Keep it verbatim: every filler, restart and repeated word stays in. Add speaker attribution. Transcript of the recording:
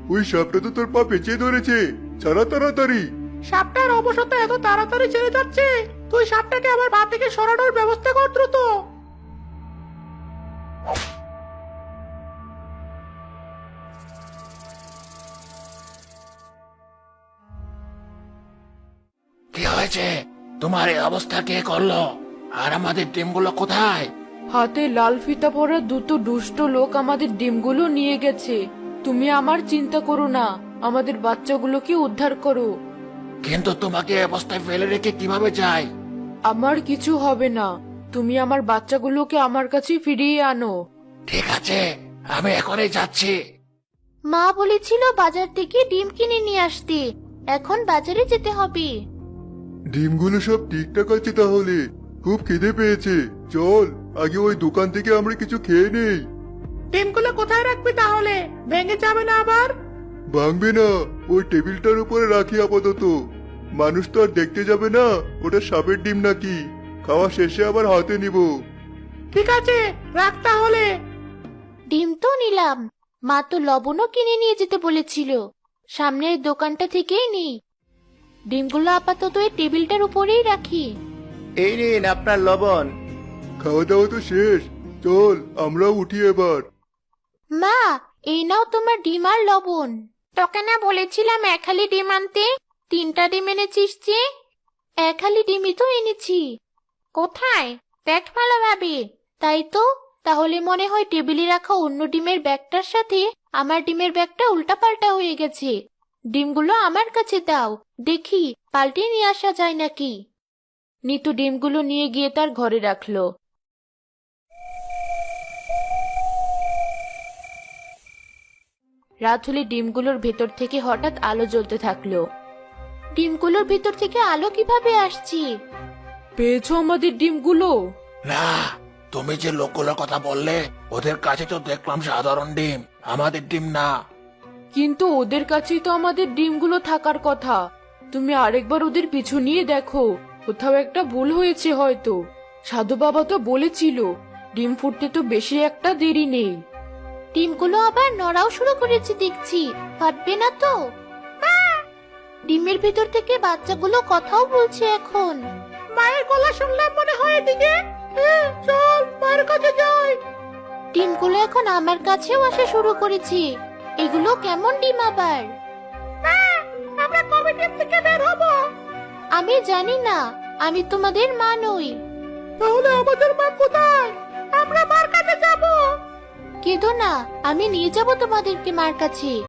Speaker 1: ওই সাপটা তো তোর পা পেঁচিয়ে ধরেছে, ছাড়া তাড়াতাড়ি।
Speaker 2: সাপটার অবসরটা এত তাড়াতাড়ি ছেড়ে যাচ্ছে, তুই সাপটাকে আমার পা থেকে সরানোর ব্যবস্থা কর দ্রুত।
Speaker 3: কি হয়েছে? তোমার এই অবস্থা কে করলো? আর আমাদের ডিমগুলো কোথায়?
Speaker 4: হাতে লাল ফিতা পরা দুটো দুষ্ট লোক আমাদের ডিমগুলো নিয়ে গেছে। তুমি আমার চিন্তা করো না, আমাদের বাচ্চাগুলোকে উদ্ধার করো।
Speaker 3: কিন্তু তোমাকে এই অবস্থায় ফেলে রেখে কিভাবে যাই?
Speaker 4: আমার কিছু হবে না, তুমি আমার বাচ্চাগুলোকে আমার কাছে ফিরিয়ে আনো।
Speaker 3: ঠিক আছে, আমি এখনই যাচ্ছি।
Speaker 5: মা বলেছিল বাজার থেকে ডিম কিনে নিয়ে আসতে, এখন বাজারে যেতে হবে।
Speaker 1: ডিমগুলো সব ঠিকঠাক আছে তাহলে? খুব খিদে পেয়েছে, চল আগে ওই দোকান থেকে আমরা কিছু খেয়ে নেই।
Speaker 2: ডিমগুলো কোথায় রাখবি তাহলে? ভেঙে যাবে না আবার?
Speaker 1: ভাঙবে না, ওই টেবিলটার উপরে রাখি আপাতত। মানুষ তো আর দেখতে যাবে না ওটা সাপের ডিম নাকি। খাওয়া শেষে আবার হাতে নিব।
Speaker 2: ঠিক আছে, রাখ তাহলে।
Speaker 5: ডিম তো নিলাম, মা তো লবণও কিনে নিয়ে যেতে বলেছিল। সামনের দোকানটা থেকেই নিই। ডিমগুলো আপাতত এই টেবিলটার উপরেই রাখি।
Speaker 6: এই নিন আপনার লবণ।
Speaker 1: খাওয়া দাওয়া তো শেষ, চল আমরাও উঠি এবার।
Speaker 5: মা, এই নাও তোমার ডিম আর লবণ। তোকে না বলেছিলাম এক হালি ডিম আনতে? তিনটা ডিম এনেছিস যে? এক হালি ডিমই তো এনেছি। কোথায়? দেখ ভালোভাবে। তাই তো, তাহলে মনে হয় টেবিলে রাখা অন্য ডিমের ব্যাগটার সাথে আমার ডিমের ব্যাগটা উল্টাপাল্টা হয়ে গেছে। ডিমগুলো আমার কাছে দাও, দেখি পাল্টে নিয়ে আসা যায় নাকি।
Speaker 4: নিতু ডিমগুলো নিয়ে গিয়ে তার ঘরে রাখলো। রাত হলে ডিমগুলোর ভেতর থেকে হঠাৎ আলো জ্বলতে থাকলো।
Speaker 5: ডিমগুলোর ভিতর থেকে আলো কিভাবে আসছে?
Speaker 4: পেয়েছো আমাদের ডিমগুলো?
Speaker 3: না, তুমি যে লোকগুলোর কথা বললে ওদের কাছে তো দেখলাম সাধারণ ডিম, আমাদের ডিম না।
Speaker 4: কিন্তু ওদের কাছেই তো আমাদের ডিমগুলো থাকার কথা। তুমি আরেকবার ওদের পিছু নিয়ে দেখো, কোথাও একটা ভুল হয়েছে হয়তো। সাধু বাবা তো বলেছিল ডিম ফুটতে তো বেশি একটা দেরি নেই।
Speaker 5: ডিমগুলো আবার নড়াও শুরু করেছে দেখছি, ফাটবে না তো? আহ! ডিমের ভিতর থেকে বাচ্চাগুলো কথাও বলছে এখন।
Speaker 2: মায়ের গলা শুনলাম মনে হয় এদিকে। হ্যাঁ, চল মায়ের কাছে যাই।
Speaker 5: ডিমগুলো এখন আমার কাছেও আসা শুরু করেছে। এগুলো কেমন ডিম আবার?
Speaker 2: আহ, আমরা কবে ডিম থেকে বের হবো?
Speaker 5: আমি জানি না, আমি তোমাদের মা নই।
Speaker 2: তাহলে আমাদের মা কোথায়? আমরা মার কাছে যাবো।
Speaker 5: কেঁদো না, আমি নিয়ে যাব তোমাদেরকে মার কাছে।